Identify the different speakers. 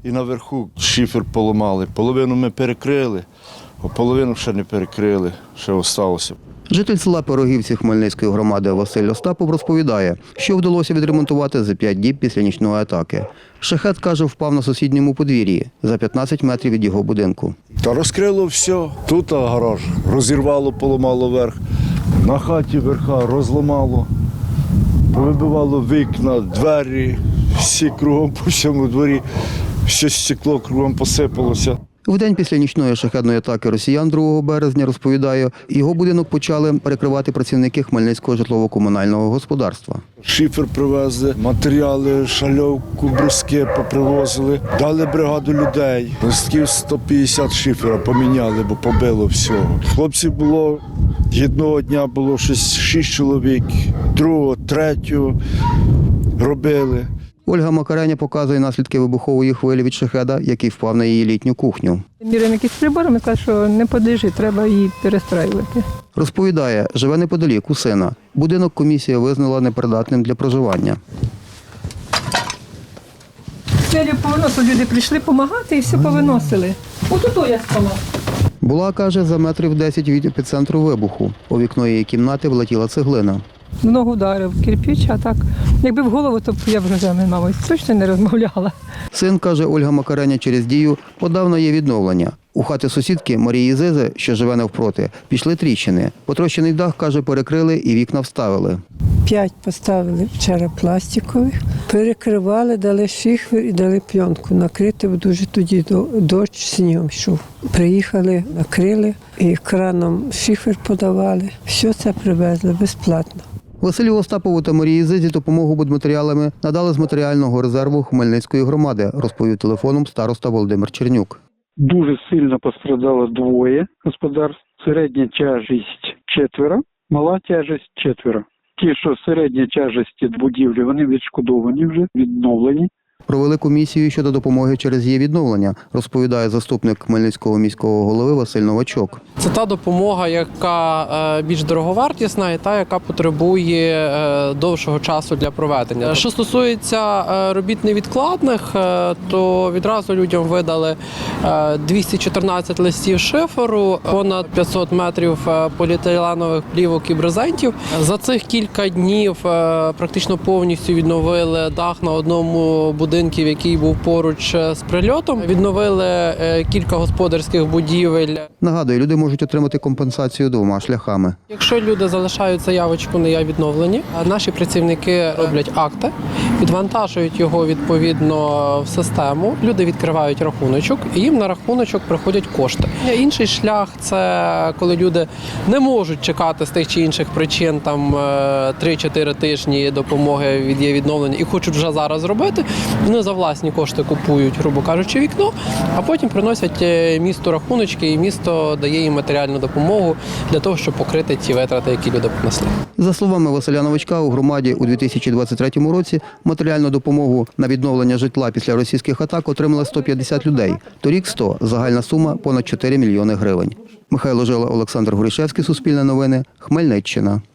Speaker 1: і наверху шифер поламали. Половину ми перекрили, а половину ще не перекрили, ще залишилося.
Speaker 2: Житель села Пирогівці Хмельницької громади Василь Остапов розповідає, що вдалося відремонтувати за 5 діб після нічної атаки. Шахед, каже, впав на сусідньому подвір'ї, за 15 метрів від його будинку.
Speaker 1: Та розкрило все. Тут гараж розірвало, поламало верх. На хаті верха розламало, повибивало вікна, двері, всі кругом по всьому дворі, все стекло кругом посипалося.
Speaker 2: В день після нічної шахедної атаки росіян 2 березня, розповідає, його будинок почали перекривати працівники Хмельницького житлово-комунального господарства.
Speaker 1: Шифер привезли, матеріали, шальовку, бруски попривозили. Дали бригаду людей. Листків 150 шифера поміняли, бо побило всього. Хлопців було, одного дня було 6 чоловік, другого, третього робили.
Speaker 2: Ольга Макареня показує наслідки вибухової хвилі від шахеда, який впав на її літню кухню.
Speaker 3: Міряємо якісь приборами, каже, що не подлежить, треба її перестраювати.
Speaker 2: Розповідає, живе неподалік у сина. Будинок комісія визнала непридатним для проживання.
Speaker 3: Селю повиносили, люди прийшли допомагати і все повиносили. Отут я спала.
Speaker 2: Була, каже, за метрів 10 від епіцентру вибуху. У вікно її кімнати влетіла цеглина.
Speaker 3: В ногу ударив кирпич, а так, якби в голову, то б я вже з вами, мабуть, точно не розмовляла.
Speaker 2: Син, каже Ольга Макареня, через дію подав на її відновлення. У хати сусідки Марії Зизи, що живе навпроти, пішли тріщини. Потрощений дах, каже, перекрили і вікна вставили.
Speaker 4: 5 поставили вчора пластикових, перекривали, дали шифер і дали пленку. Накрити, бо дуже тоді дощ снігом йшов. Приїхали, накрили і краном шифер подавали. Все це привезли безплатно.
Speaker 2: Василю Остапову та Марії Зизі допомогу будматеріалами надали з матеріального резерву Хмельницької громади, розповів телефоном староста Володимир Чернюк.
Speaker 5: Дуже сильно пострадало 2 господарств. Середня тяжість 4, мала тяжість 4. Ті, що середня тяжесті будівлі, вони відшкодовані вже, відновлені.
Speaker 2: Провели комісію щодо допомоги через її відновлення, розповідає заступник Хмельницького міського голови Василь Новачок.
Speaker 6: Це та допомога, яка більш дороговартісна і та, яка потребує довшого часу для проведення. Що стосується робіт невідкладних, то відразу людям видали 214 листів шиферу, понад 500 метрів поліетиленових плівок і брезентів. За цих кілька днів практично повністю відновили дах на одному будинку, який був поруч з прильотом. Відновили кілька господарських будівель.
Speaker 2: Нагадую, люди можуть отримати компенсацію 2 шляхами.
Speaker 6: Якщо люди залишають заявочку «Не я відновлені», наші працівники роблять акти, відвантажують його відповідно в систему, люди відкривають рахуночок і їм на рахуночок приходять кошти. Інший шлях – це коли люди не можуть чекати з тих чи інших причин там 3-4 тижні допомоги від її відновлення і хочуть вже зараз зробити. Вони за власні кошти купують, грубо кажучи, вікно, а потім приносять місту рахуночки, і місто дає їм матеріальну допомогу для того, щоб покрити ті витрати, які люди понесли.
Speaker 2: За словами Василя Новачка, у громаді у 2023 році матеріальну допомогу на відновлення житла після російських атак отримали 150 людей. Торік – 100. Загальна сума – понад 4 мільйони гривень. Михайло Жила, Олександр Горішевський, Суспільне новини, Хмельниччина.